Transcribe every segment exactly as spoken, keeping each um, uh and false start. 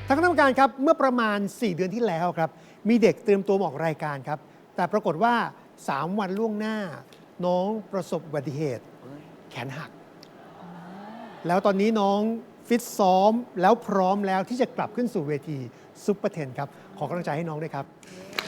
ทางคณะกรรมการครับเมื่อประมาณสี่เดือนที่แล้วครับมีเด็กเตรียมตัวมาออกรายการครับแต่ปรากฏว่าสามวันล่วงหน้าน้องประสบอุบัติเหตุแขนหักแล้วตอนนี้น้องฟิตซ้อมแล้วพร้อมแล้วที่จะกลับขึ้นสู่เวทีซุปเปอร์เทนครับขอกำลังใจให้น้องด้วยครับ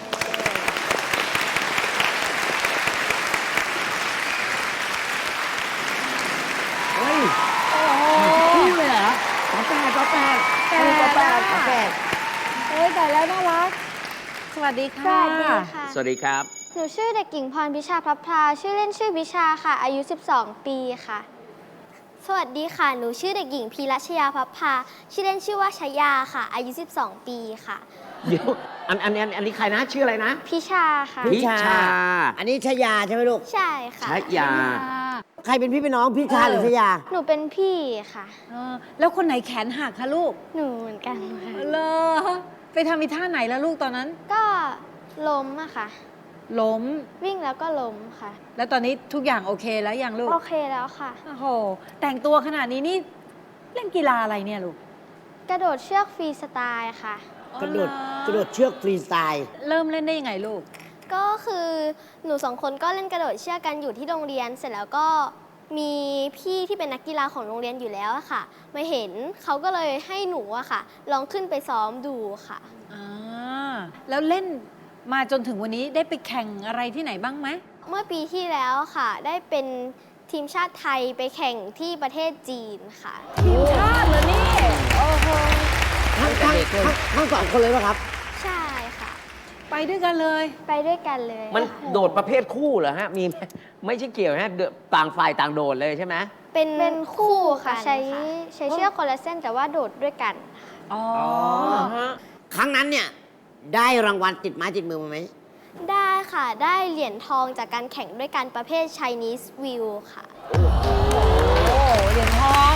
เฮ้ยโอ้โหคู่เลยเหรอฝาแฝดฝาแฝดฝาแฝดฝาแฝดเอ้ยแต่แล้วน่ารัก สวัสดีสค่ะวัสดีค่ะสวัสดีครับหนูชื่อเด็กหญิงพรพิชาพลับพลาชื่อเล่นชื่อพิชาค่ะ อายุ สิบสอง ปีค่ะ สวัสดีค่ะ หนูชื่อเด็กหญิงพีรัชยาพลับพลาชื่อเล่นชื่อว่าชยาค่ะ อายุ สิบสอง ปีค่ะเดี๋ยวอันอันอันอันนี้ใครนะชื่ออะไรนะพิชาค่ะพิชาอันนี้ชยาใช่ไหมลูกใช่ค่ะชยาใครเป็นพี่เป็นน้องพี่ชาหรือชยาหนูเป็นพี่ค่ะเออแล้วคนไหนแขนหักคะลูกหนูเหมือนกันค่ะเลอไปทำอีท่าไหนแล้วลูกตอนนั้นก็ล้มอะค่ะล้มวิ่งแล้วก็ล้มค่ะแล้วตอนนี้ทุกอย่างโอเคแล้วยังลูกโอเคแล้วค่ะโอ้โห แต่งตัวขนาดนี้นี่เล่นกีฬาอะไรเนี่ยลูกกระโดดเชือกฟรีสไตล์ค่ะกระโดดอ๋อเหกระโดดเชือกฟรีสไตล์เริ่มเล่นได้ยังไงลูกก็คือหนูสองคนก็เล่นกระโดดเชือกกันอยู่ที่โรงเรียน เสร็จแล้วก็มีพี่ที่เป็นนักกีฬาของโรงเรียนอยู่แล้วอะค่ะมาเห็นเขาก็เลยให้หนูอะค่ะ ลองขึ้นไปซ้อมดูค่ะอ่า แล้วเล่นมาจนถึงวันนี้ได้ไปแข่งอะไรที่ไหนบ้างไหมเมื่อปีที่แล้วค่ะ ได้เป็นทีมชาติไทยไปแข่งที่ประเทศจีนค่ะทีมชาติเหรอนี่ โอ้โหทั้งทั้งทั้งทั้งสองคนเลยป่ะครับใช่ค่ะไปด้วยกันเลยไปด้วยกันเลยมันโดดประเภทคู่เหรอฮะมีไหมไม่ใช่เกี่ยวฮะเดอะต่างฝ่ายต่างโดดเลยใช่ไหมเป็นเป็นคู่ค่ะกันใช้ค่ะใช้เชือกคนละเส้นแต่ว่าโดดด้วยกันอ๋อฮะครั้งนั้นเนี่ย ได้รางวัลติดไม้ติดมือมาไหมได้ค่ะ ได้เหรียญทองจากการแข่งด้วยกันประเภท Chinese View ค่ะโอ้เหรียญทอง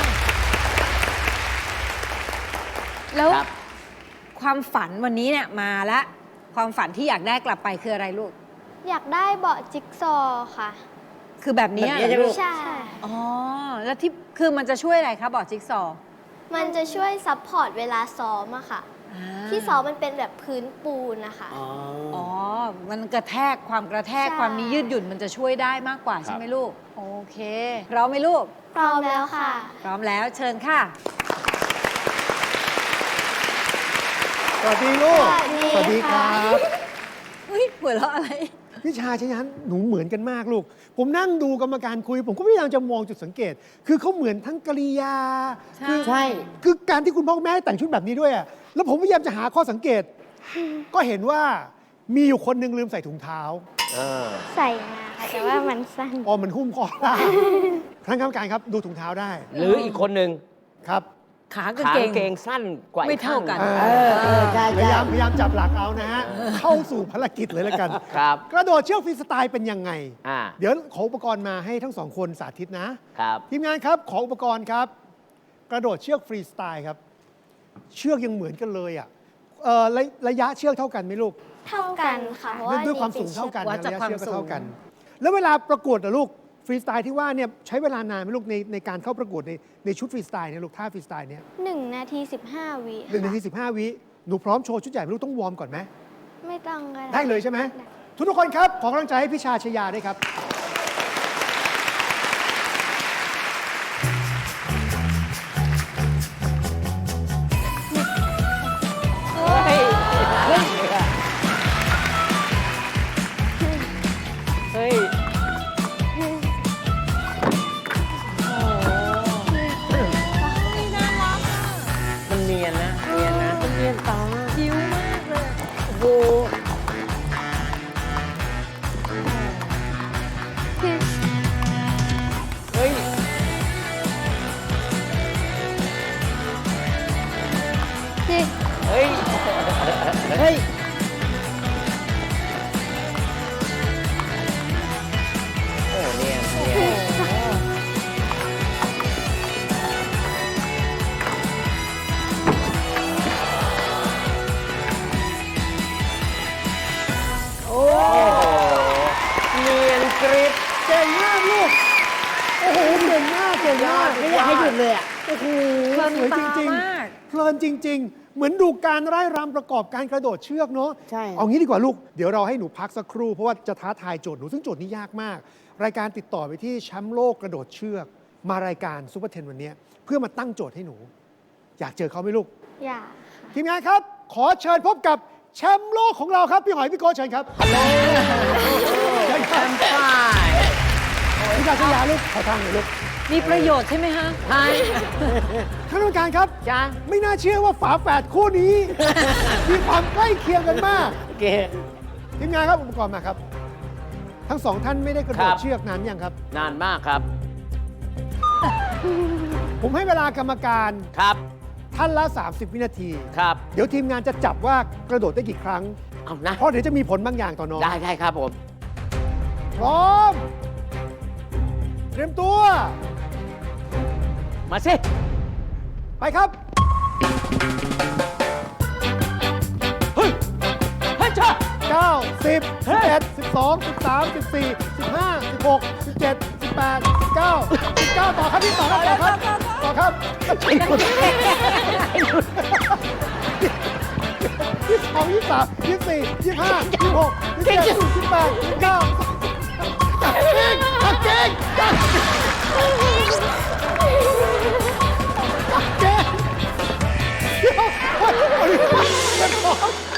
แล้วครับความฝันวันนี้เนี่ยมาแล้วความฝันที่อยากได้กลับไปคืออะไรลูกอยากได้เบาะจิ๊กซอว์ค่ะคือแบบนี้แบบนี้เหรอใช่ไหมลูกใช่อ๋อ แล้วที่คือมันจะช่วยอะไรคะบอร์ดจิ๊กซอว์มันจะช่วยซัพพอร์ตเวลาซ้อมอะค่ะอ่าที่ซ้อมมันเป็นแบบพื้นปูนนะคะอ๋ออ๋อ มันกระแทกความกระแทกใช่ความมียืดหยุ่นมันจะช่วยได้มากกว่าใช่ไหมลูก โอเคพร้อมไหมลูกพร้อมแล้วค่ะพร้อมแล้วเชิญค่ะสวัสดีลูกสวัสดีครัค่ะบเฮ้ยหัวเราะอะไรพี่ชาชยันหนูเหมือนกันมากลูก ผมนั่งดูกรรมการคุย ผมก็พยายามจะมองจุดสังเกต คือเขาเหมือนทั้งกริยาใช่คือใช่คือการที่คุณพ่อคุณแม่แต่งชุดแบบนี้ด้วยอะแล้วผมพยายามจะหาข้อสังเกต ก็เห็นว่ามีอยู่คนหนึงลืมใส่ถุงเท้าเออใส่มาค่ะ แต่ว่ามันสั้นอ๋อมันหุ้มคอได้ท่านกรรมการครับดูถุงเท้าได้หรืออีกคนหนึ่งครับขากางขาเกกาง งเกงสั้นกว่าอีไม่เท่ากันข้งเอเออเออใช่พยาใช่ยามพยายามจับหลักเอานะฮะ เข้าสู่ภารกิจเลยแล้วกันครับกระโดดเชือกฟรีสไตล์เป็นยังไงอ่าเดี๋ยวขออุปกรณ์มาให้ทั้งสองคนสาธิตนะครับทีมงานครับขออุปกรณ์ครับ กระโดดเชือกฟรีสไตล์ครับ เชือกยังเหมือนกันเลยอ่ะเอ่อระระยะเชือกเท่ากันไหมลูกเท่ากันค่ะ เพราะด้วยว่าด้วยความนี่สูงเท่ากันวัดนะจากระยะความเชือกก็สูงเท่ากัน แล้วเวลาประกวดอะลูกฟรีสไตล์ที่ว่าเนี่ยใช้เวลานานไหมลูกในในการเข้าประกวดในในชุดฟรีสไตล์เนี่ยลูกท่าฟรีสไตล์เนี่ยหนึ่งนาทีสิบห้าวิหนึ่งนาทีสิบห้าวิหนูพร้อมโชว์ชุดใหญ่ไหมลูกต้องวอร์มก่อนไหมไม่ต้องก็ได้เลยใช่ไหมทุกทุกคนครับขอกำลังใจให้พี่ชาชยาด้วยครับเฮ้ย เฮ้ย เฮ้ย มันเนียนนะ เนียนนะ มันเนียนตาคิ้วมากเลยโอ้โห เฮ้ย เฮ้ยเฮ้ยโอ้เนียนเนียนโอ้เนียนกริบเก่งมากลูก โอ้โหเก่งมากเก่งมากไม่อยากให้หยุดเลยอ่ะโอ้โหเพลินสวยตาจริงมากๆเพลินจริง ๆเหมือนดูการไร้รำประกอบการกระโดดเชือกเนาะใช่เอางี้ดีกว่าลูก เดี๋ยวเราให้หนูพักสักครู่ เพราะว่าจะท้าทายโจทย์หนูซึ่งโจทย์นี้ยากมาก รายการติดต่อไปที่แชมป์โลกกระโดดเชือก มารายการซูเปอร์เทนวันนี้เพื่อมาตั้งโจทย์ให้หนู อยากเจอเขาไหมลูกอย่าทีมงานครับ ขอเชิญพบกับแชมป์โลกของเราครับพี่หอยพี่โก้เชิญครับเชิญครับป้ายพี่กาศยาลูกขอทางหน่อยลูกมีประโยชน์ใช่ไหมฮะใช่ท่านผู้การครับจ้าไม่น่าเชื่อว่าฝาแฝดคู่นี้ มีความใกล้เคียงกันมากโอเคทีมงานครับอุปกรณ์มาครับ ทั้งสองท่านไม่ได้กระโดคดรับเชือกนานยังครับนานมากครับผมให้เวลากรรมการครับท่านละ สามสิบ วินาทีครับเดี๋ยวทีมงานจะจับว่ากระโดดได้กี่ครั้งเอานะเพราะเดี๋ยวจะมีผลบางอย่างต่อน้องได้ได้ครับผมพร้อม เตรียมตัวมาสิไปครับเฮ้ยเฮ้ยจ้าเก้า สิบเฮ้สิบยเอ็ด สิบสอง สิบสาม สิบสี่ สิบห้า สิบหก สิบเจ็ด สิบแปด สิบเก้า สิบเก้าต่อครับพี่ต่อครับต่อครับต่อครับยี่สิบสอง ยี่สิบสาม ยี่สิบสี่ ยี่สิบห้า ยี่สิบหก ยี่สิบเจ็ด ยี่สิบแปด ยี่สิบเก้าเก่งเก่งเก่งเก่งเดี๋ยวเฮ้ยเฮ้ยเป็นของ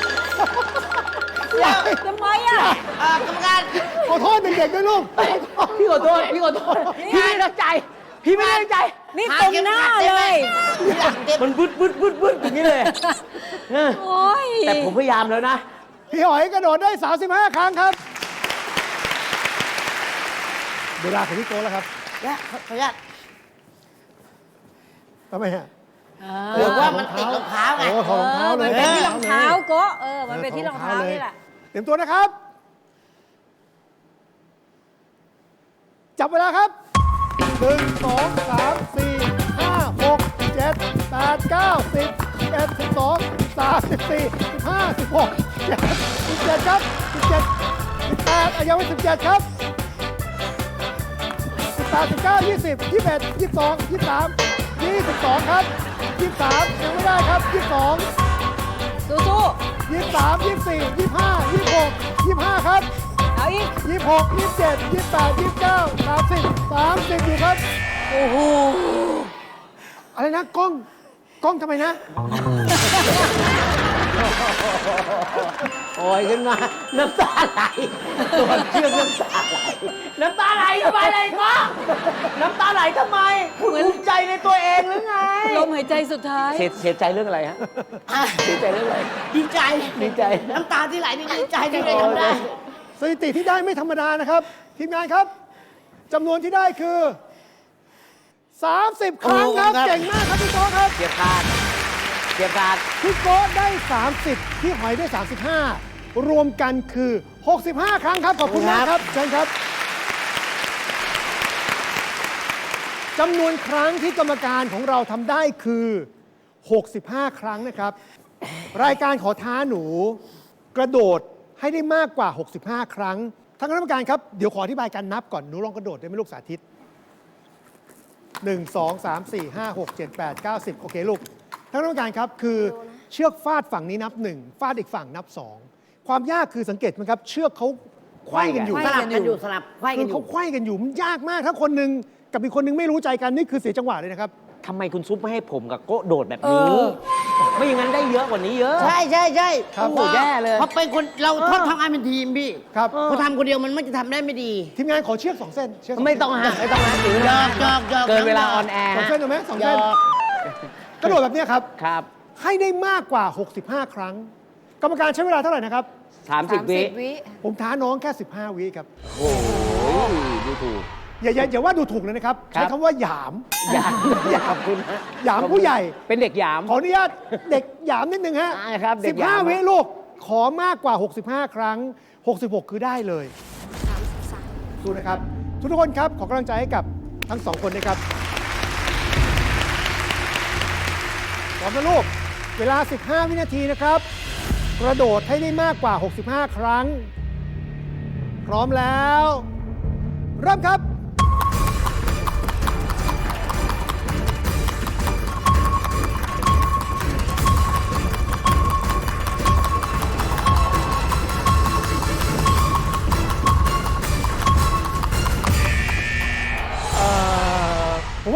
ทำไมอ่ะเอ่อกรรมการขอโทษเด็กๆด้วยลูกพี่ขอโทษ พี่ขอโทษ พี่ไม่ได้ตั้งใจ พี่ไม่ได้ตั้งใจนี่ตรงหน้าเลยมันบึดบึดบึดบึดอย่างนี้เลยเออโอ้ยแต่ผมพยายามแล้วนะพี่หอยกระโดดได้ สามสิบห้า ครั้งครับ เวลาของพี่โก้แล้วครับและขออนุญาตทำไมฮะหรือว่ามันติดรองเท้าไงโอ้ถอดรองเท้าเลยมันเป็นที่รองเท้าโกะเออ มันเป็นที่รองเท้าลยนี่แหละเตรียมตัวนะครับ จับเวลาครับ หนึ่ง สอง สาม สี่ ห้า หก เจ็ด แปด เก้า สิบ สิบเอ็ด สิบสอง สิบสาม สิบสี่ สิบห้า สิบหก สิบเจ็ด ครับ สิบเจ็ด สิบแปดอายุไม่สิบเจ็ดครับ สิบแปด สิบเก้า ยี่สิบ ยี่สิบเอ็ด ยี่สิบสอง ยี่สิบสาม ยี่สิบสองครับ ยี่สิบสามยังไม่ได้ครับ ยี่สิบสองสู้ยี่สิบสาม ยี่สิบสี่ ยี่สิบห้า ยี่สิบหก ยี่สิบห้าครับๆ เอาอีกยี่สิบหก ยี่สิบเจ็ด ยี่สิบแปด ยี่สิบเก้า สามสิบ สามสิบอยู่ครับโอ้โหอะไรนะกล้อง กล้องทำไมนะโอยขึ้นมา น้ำตาไหลตัวเชื่อมน้ำตาไหล น้ำตาไหลทำไมเลยก็น้ำตาไหลทำไมคุณภูมิใจในตัวเองหรือไงลมหายใจสุดท้ายเสียเสียใจเรื่องอะไรฮะอ่ะเสียใจเรื่องอะไรดีใจดีใจน้ำตาที่ไหลนี่ดีใจที่ได้ทำได้สถิติที่ได้ไม่ธรรมดานะครับ ทีมงานครับจำนวนที่ได้คือ สามสิบ ครั้งครับโอ้โหครับเก่งมากครับพี่โก้ครับเกียร์ขาดเกียร์ขาดพี่โก้ได้ สามสิบ พี่หอยได้ สามสิบห้า รวมกันคือ หกสิบห้า ครั้งครับ ขอบคุณมากครับเชิญครับจำนวนครั้งที่กรรมการของเราทำได้คือ หกสิบห้า ครั้งนะครับ รายการขอท้าหนู กระโดดให้ได้มากกว่า หกสิบห้า ครั้งท่านคณะกรรมการครับ เดี๋ยวขออธิบายการนับก่อน หนูลองกระโดดได้ไหมลูกสาธิต หนึ่ง สอง สาม สี่ ห้า หก เจ็ด แปด เก้า สิบ โอเคลูกท่านคณะกรรมการครับ คือเชือกฟาดฝั่งนี้นับหนึ่งฟาดอีกฝั่งนับสองความยากคือสังเกตไหมครับ เชือกเขาไขว้กันอยู่สลับกันอยู่สลับไขว้กัคืนออเขายู่ไขว้กันอยู่มันยากมาก ถ้าคนหนึ่งกับอีกคนหนึ่งไม่รู้ใจกันนี่คือเสียจังหวะเลยนะครับทำไมคุณซุปไม่ให้ผมกับโก้โดดแบบเอนี้อไม่อย่างนั้นได้เยอะกว่านี้เยอะใช่ใช่ใช่ครับโอ้โหแย่เลยเพราะเป็นคนเราชอบทำงานเป็นทีมพี่ครับพอทำคนเดียวมันไม่จะทำได้ไม่ดีทีมงานขอเชือกสองเส้นเชือกสเส้นไม่ต้องฮะไม่ต้องฮะถือหยนะอกหยอกหยอกเกินเวลาออนแอร์สองฮะเส้นถูกไหมสองหยเส้นอกกระโดดแบบเนี้ยครับครับให้ได้มากกว่า หกสิบห้า ครั้ง กรรมการใช้เวลาเท่าไหร่นะครับสามสิบสามวิสิบวิผมท้าน้องแค่ สิบห้า วิครับโอ้ยดูถูกอย่าอย่าอย่าว่าดูถูกเลยนะครับครับใช้คำว่าหยามหยามหยามคุณฮะหยามผู้ใหญ่เป็นเด็กหยามขออนุญาตเด็กหยามนิดนึงฮะอ่าครับเด็สิกบหยาห้าม วิลูก ขอมากกว่า หกสิบห้า ครั้ง หกสิบหก คือได้เลยดูนะครับ ทุกทุกคนครับ ขอกำลังใจให้กับทั้งสองคนนะครับพร้อมนะลูก เวลา สิบห้า วินาทีนะครับ กระโดดให้ได้มากกว่า หกสิบห้า ครั้ง พร้อมแล้ว เริ่มครับ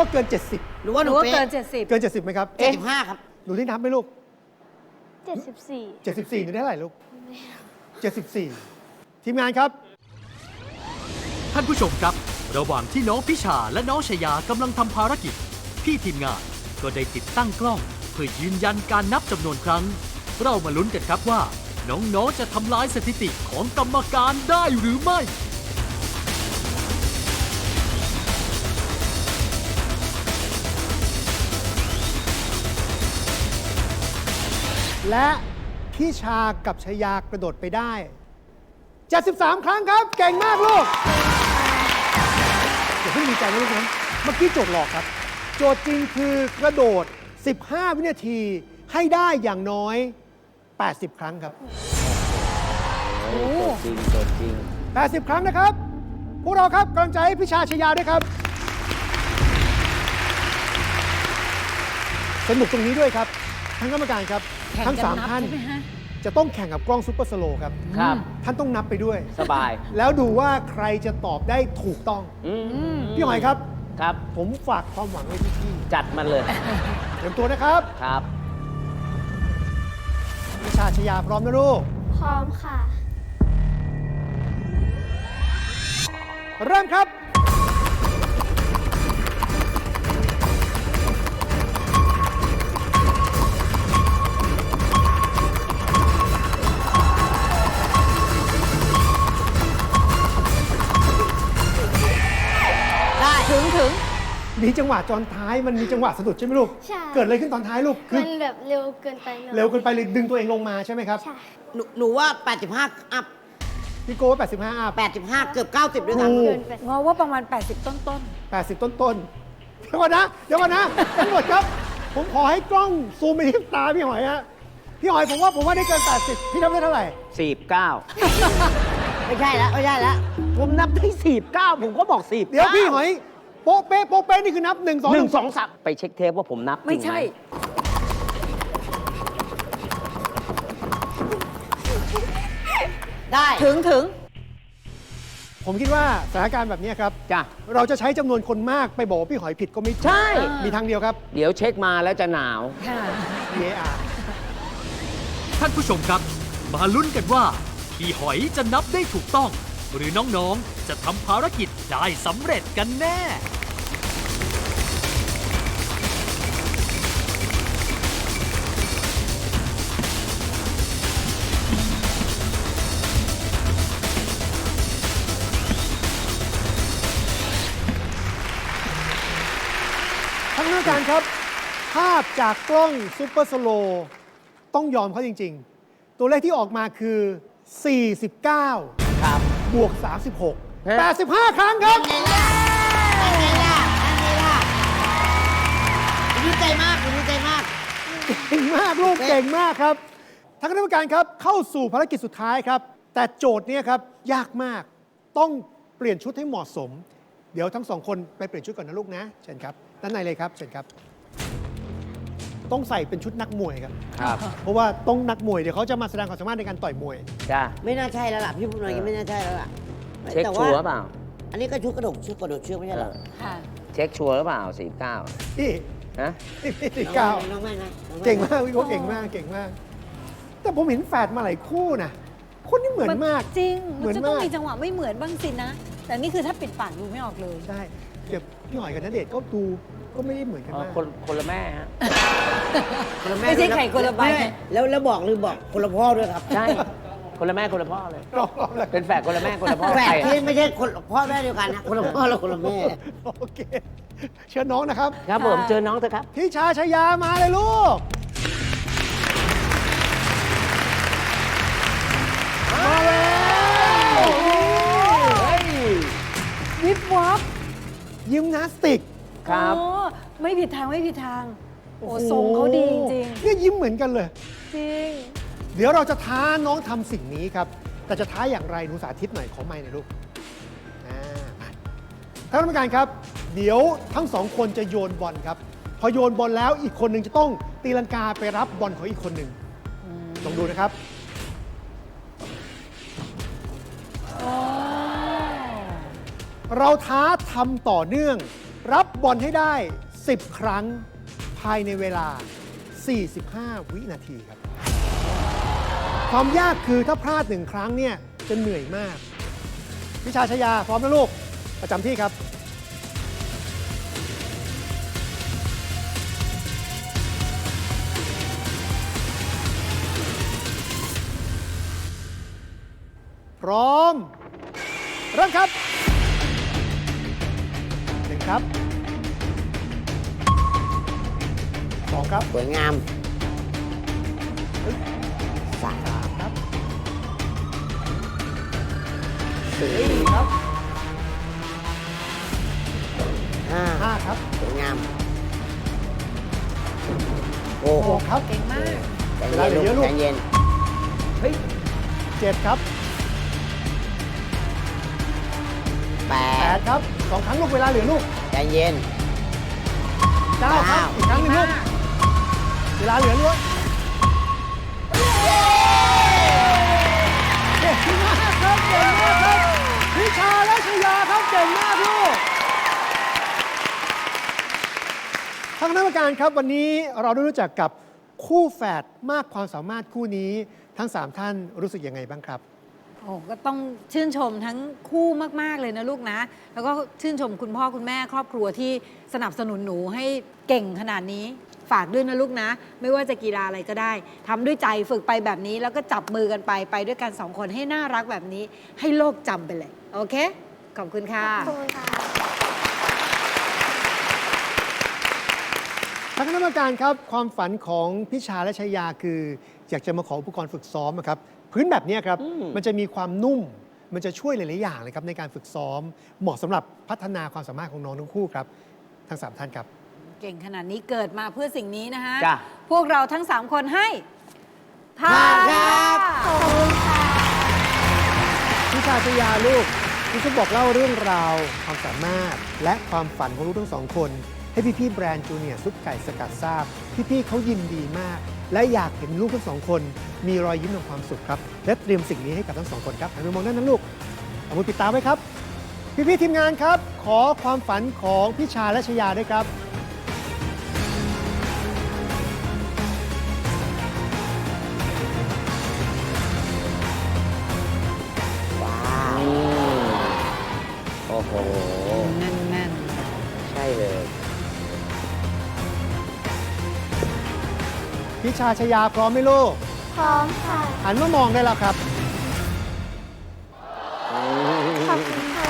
เกิน เจ็ดสิบหรือว่าหหนูนูว่าเป๊ะเกินเจ็ดสิบเกิน เจ็ดสิบไหมครับเจ็ดสิบห้าครับหนูที่นับไหมลูกเจ็ดสิบสี่เจ็ดสิบสี่หนูได้เท่าไหร่ลูก เจ็ดสิบสี่ ทีมงานครับท่านผู้ชมครับ ระหว่างที่น้องพิชาและน้องชยากำลังทำภารกิจ พี่ทีมงานก็ได้ติดตั้งกล้องเพื่อยืนยันการนับจำนวนครั้ง เรามาลุ้นกันครับว่า น้องๆจะทำลายสถิติของกรรมการได้หรือไม่และพี่ชากับชยากระโดดไปได้ เจ็ดสิบสาม ครั้งครับ เก่งมากลูกอย่าเพิ่งดีใจนะลูกนะเมื่อกี้โจทย์หลอกครับ โจทย์จริงคือกระโดด สิบห้า วินาทีให้ได้อย่างน้อย แปดสิบ ครั้งครับจริงจดจริงแปดสิบ ครั้งนะครับ พวกเราครับกำลังใจให้พี่ชาชยาด้วยครับ สนุกตรงนี้ด้วยครับ ทั้งกรรมการครับแข่งทั้งกันสามนับท่านใช่ไหมฮะจะต้องแข่งกับกล้องซูเปอร์สโลว์ครับครับท่านต้องนับไปด้วยสบายแล้วดูว่าใครจะตอบได้ถูกต้องอืมพี่หอยครับครับผมฝากความหวังไว้ที่พี่จัดมันเลยเตรียมตัวนะครับครับพี่ชาชยาพร้อมนะลูกพร้อมค่ะเริ่มครับได้ถึงถึงมีจังหวะจอนท้ายมันมีจังหวะสะดุดใช่ไหมลูกใช่เกิดอะไรขึ้นตอนท้ายลูก คือมันแบบเร็วเกินไปหน่อยเร็วเกินไปเลยดึงตัวเองลงมาใช่ไหมครับใช่หนูหนูว่า แปดสิบห้า อัพพี่โก้แปดสิบห้าอัพแปดสิบห้า เกือบ เก้าสิบ ด้วยถูซ้ำกเกินไปงอว่าประมาณ แปดสิบ ต้นต้นแปดสิบ ต้นต้นๆเดี๋ยวก่อนนะ เดี๋ยวก่อนนะทั้งหมดครับ ผมขอให้กล้องซูมไปที่ตาพี่หอยฮะ พี่หอยผมว่าผมว่าได้เกิน แปดสิบ พี่ทำได้เท่าไหร่สี่สิบเก้าไม่ใช่แล้วไม่ใช่แล้วผมนับได้สี่สิบเก้าผมก็บอกสี่สิบเดี๋ยวพี่หอยโป๊ะเป๊ะโป๊ะเป๊ะนี่คือนับหนึ่งสองหนึ่งสองสามไปเช็คเทปว่าผมนับๆ ไม่ใช่ได้ถึงถึงผมคิดว่าสถานการณ์แบบนี้ครับจ้ะเราจะใช้จำนวนคนมากไปบอกว่าพี่หอยผิดก็ไม่ถูกใช่มีทางเดียวครับเดี๋ยวเช็คมาแล้วจะหนาวค่ะ V A R ท่านผู้ชมครับ มาลุ้นกันว่า พี่หอยจะนับได้ถูกต้อง หรือน้องๆ จะทำภารกิจได้สำเร็จกันแน่ทั้งนักการครับ ภาพจากกล้องซูเปอร์สโลว์ต้องยอมเขาจริง ๆ ตัวเลขที่ออกมาคือ สี่สิบเก้าครับบวก สามสิบหกฮะแปดสิบห้า ครั้งครับไงล่ะไงล่ะไงล่ะดีใจมากดีใจมากเก่งมากลูกเก่งมากครับทางคณะกรรมการครับเข้าสู่ภารกิจสุดท้ายครับ แต่โจทย์เนี้ครับยากมากต้องเปลี่ยนชุดให้เหมาะสม เดี๋ยวทั้งสองคนไปเปลี่ยนชุดก่อนนะลูกนะเชิญครับด้านในเลยครับเชิญครับ ต้องใส่เป็นชุดนักมวยครับครับเพราะว่าต้องนักมวยเดี๋ยวเขาจะมาแสดงความสามารถในการต่อยมวยจ้ะไม่น่าใช่แล้วล่ะ พี่พูดมาอย่างนี้ไม่น่าใช่แล้วล่ะเช็คแต่ชัวร์เปล่าอันนี้ก็ชุดกระดกชุดกระโดดเชือกไม่ใช่เหรอค่ะเช็คชัวร์หรือเปล่าสี่สิบเก้าพี่ฮะพี่เก้าน้องไม่นะน้อไเก่งมากพี่โก้เก่งมากเก่งมาก แต่ผมเห็นแฝดมาหลายคู่นะคนนี้เหมือนมากจริงเหมืมัอน นจะต้องมากมีจังหวะไม่เหมือนบ้างสินะ แต่นี่คือถ้าปิดปากดูไม่ออกเลยใช่เดี๋ยวพี่หอยกับณเดชน์ก็ดูก็ไม่ได้เหมือนกันอ๋อมากคนคนละแม่ฮะคนละแไม่ใช่ไข่คนละใบม่แล้วแล้วบอกลืมบอกคนละพ่อด้วยครับใช่ คนละแม่คนละพ่อเลยรอบๆแล้วเป็นแฝดคนละแม่คนละพ่อแฝดใครที่ไม่ใช่คนพ่อแม่เดียวกันนะคนละพ่อและคนละแม่โอเค เชิญน้องนะครับครับผมเจอน้องเถอะครับพี่ชาชยามาเลยลูก มาแล้ววิบวับยิมนาสติกครับโอ้ไม่ผิดทางไม่ผิดทาง โอ้ทรงเขาดีจริงเนี่ยยิ้มเหมือนกันเลยๆจริงเดี๋ยวเราจะท้าน้องทำสิ่งนี้ครับ แต่จะท้าอย่างไรหนูสาธิตหน่อยขอไมค์หน่อยลูกอ่ามาท่านกรรมการครับ เดี๋ยวทั้งสองคนจะโยนบอลครับ พอโยนบอลแล้วอีกคนหนึ่งจะต้องตีลังกาไปรับบอลของอีกคนหนึ่งลองดูนะครับ เราท้าทำต่อเนื่องรับบอลให้ได้ สิบ ครั้งภายในเวลา สี่สิบห้า วินาทีครับ ความยากคือถ้าพลาดหนึ่งครั้งเนี่ยจะเหนื่อยมาก พิชาชยาพร้อมนะลูก ประจำที่ครับ พร้อม เริ่มครับหนึ่งครับสองครับสวยงามสามครับสี่สี่ครับห้าห้าครับสวยงาม โอ้หกครับเก่งมากใจเวลาเย็นเหลือเยลูอะกลูกใจเย็นเจ็ดครับแปแปดดครับสองครั้งลูกเวลาเหลือลูกใจเย็นเก้าครับเก้าอีกครั้งหนึงลูก เวลาเหลือลูกเก่งมากครับเก่งมากครับพิชาและชยาครับเก่งมากลูกทางคณะกรรมการครับวันนี้เราได้รู้จักกับคู่แฝดมากความสามารถคู่นี้ทั้งสามท่านรู้สึกยังไงบ้างครับโอ้ก็ต้องชื่นชมทั้งคู่มาก ๆ เลยนะลูกนะ แล้วก็ชื่นชมคุณพ่อคุณแม่ครอบครัวที่สนับสนุนหนูให้เก่งขนาดนี้ ฝากด้วยนะลูกนะ ไม่ว่าจะกีฬาอะไรก็ได้ทำด้วยใจฝึกไปแบบนี้ แล้วก็จับมือกันไปไปด้วยกันสองคนให้น่ารักแบบนี้ ให้โลกจำไปเลย โอเค ขอบคุณค่ะขอบคุณค่ะทางคณะกรรมการครับความฝันของพิชาและชยาคือ อยากจะมาขออุปกรณ์ฝึกซ้อมอะครับพื้นแบบเนี้ยครับอืมมันจะมีความนุ่ม มันจะช่วยหลาย ๆ อย่างเลยครับในการฝึกซ้อม เหมาะสำหรับพัฒนาความสามารถของน้องทั้งคู่ครับทั้งสามท่านครับเก่งขนาดนี้เกิดมาเพื่อสิ่งนี้นะคะจ้ะพวกเราทั้งสามคนให้ผ่าผ่านนครับขอบคุณค่ะพิชาชยาลูกคุณจะบอกเล่าเรื่องราวความสามารถ และความฝันของลูกทั้งสองคน ให้พี่ๆแบรนด์จูเนียร์ซุปไก่สกัดทราบ พี่ๆเขายินดีมาก และอยากเห็นลูกทั้งสองคน มีรอยยิ้มของความสุขครับ และเตรียมสิ่งนี้ให้กับทั้งสองคนครับหันไปมองด้านนั้นลูกเอามือปิดตาไว้ครับ พี่ๆทีมงานครับ ขอความฝันของพิชาและชยาด้วยครับว้าวโอ้โหแน่นใช่เลยพิชาชยาพร้อมไหมลูกพร้อมค่ะหันมามองได้แล้วครับขอบคุณค่ะ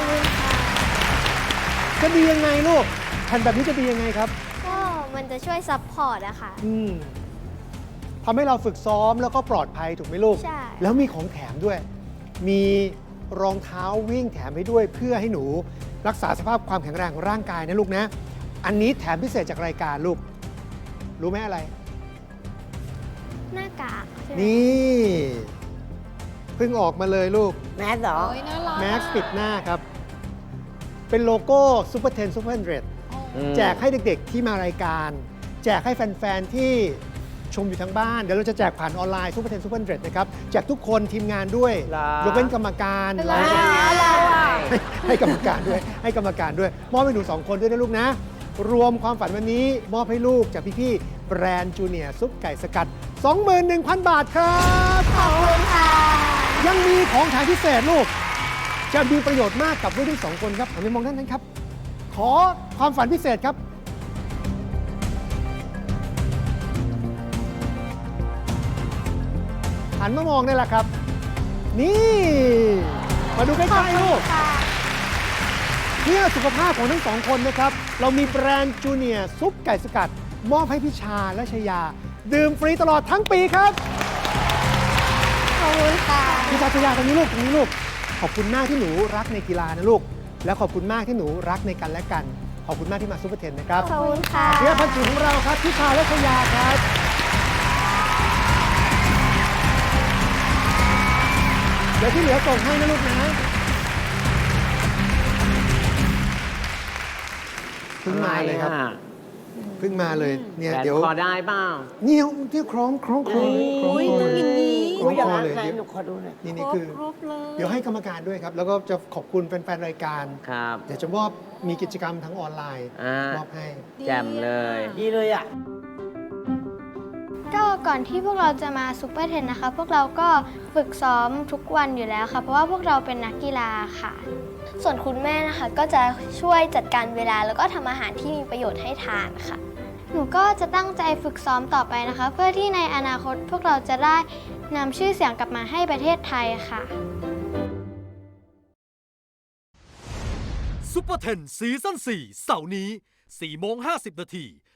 จะดียังไงลูกแผ่นแบบนี้จะดียังไงครับก็มันจะช่วยซัพพอร์ตอะค่ะอืมทำให้เราฝึกซ้อมแล้วก็ปลอดภัยถูกไหมลูกใช่แล้วมีของแถมด้วย มีรองเท้าวิ่งแถมให้ด้วย เพื่อให้หนูรักษาสภาพความแข็งแรงของร่างกายนะลูกนะ อันนี้แถมพิเศษจากรายการลูก รู้ไหมอะไรหน้ากากใช่ไหมนี่เพิ่งออกมาเลยลูกแมสเหรอโอ้ยน่ารักแม็กซ์ปิดหน้าครับ เป็นโลโก้ Super เท็น Super หนึ่งร้อยอืมแจกให้เด็กๆที่มารายการ แจกให้แฟน ๆ ที่ชมอยู่ทางบ้าน เดี๋ยวเราจะแจกผ่านออนไลน์ Super เท็น Super หนึ่งร้อย นะครับ แจกทุกคนทีมงานด้วยเหรอยกเว้นกรรมการอะไรเราจะเราอะให้ให้กรรมการด้วย ให้กรรมการด้วย มอบให้หนูสองคนด้วยนะลูกนะ รวมความฝันวันนี้ มอบให้ลูกจากพี่ๆแบรนด์จูเนียร์ซุปไก่สกัด สองหมื่นหนึ่งพัน บาทครับขอบคุณค่ะยังมีของแถมพิเศษลูก จะมีประโยชน์มากกับลูกทั้งสองคนครับหันไปมองด้านนั้นครับ ขอความฝันพิเศษครับ หันมามองได้แล้วครับ นี่ มาดูใกล้ๆลูกค่ะเพื่อสุขภาพของทั้งสองคนนะครับ เรามีแบรนด์จูเนียร์ซุปไก่สกัด มอบให้พิชาและชยา ดื่มฟรีตลอดทั้งปีครับขอบคุณค่ะพี่ชาชยาตรงนี้ลูกตรงนี้ลูก ขอบคุณมากที่หนูรักในกีฬานะลูก และขอบคุณมากที่หนูรักในกันและกัน ขอบคุณมากที่มาซูเปอร์เทนนะครับขอบคุณค่ะเพื่อพันธุ์ของเราครับพิชาและชยาครับ เดี๋ยวที่เหลือส่งให้นะลูกนะเพิ่งมาเลยครับ เพิ่งมาเลยเนี่ยแขนเดี๋ยวพอได้เปล่าเนี่ยที่คล้องคล้องคล้องคล้องโอ้ยคล้ต้องอย่างนี้คล้องอยากพอเลยไหนหนูขอดูหน่อยนี่นี่คือครบเลยเดี๋ยวให้กรรมการด้วยครับ แล้วก็จะขอบคุณแฟนๆรายการครับเดี๋ยวจะมอบมีกิจกรรมทั้งออนไลน์อ่ามมอบให้แจ่มเลย ดีเลยอ่ะก็ก่อนที่พวกเราจะมาซูเปอร์เทนนะคะ พวกเราก็ฝึกซ้อมทุกวันอยู่แล้วค่ะ เพราะว่าพวกเราเป็นนักกีฬาค่ะ ส่วนคุณแม่นะคะก็จะช่วยจัดการเวลาแล้วก็ทำอาหารที่มีประโยชน์ให้ทานค่ะ หนูก็จะตั้งใจฝึกซ้อมต่อไปนะคะ เพื่อที่ในอนาคตพวกเราจะได้นำชื่อเสียงกลับมาให้ประเทศไทยค่ะซุปเปอร์เทนซีซั่นสี่เสาร์นี้สี่โมงห้าสิบนาที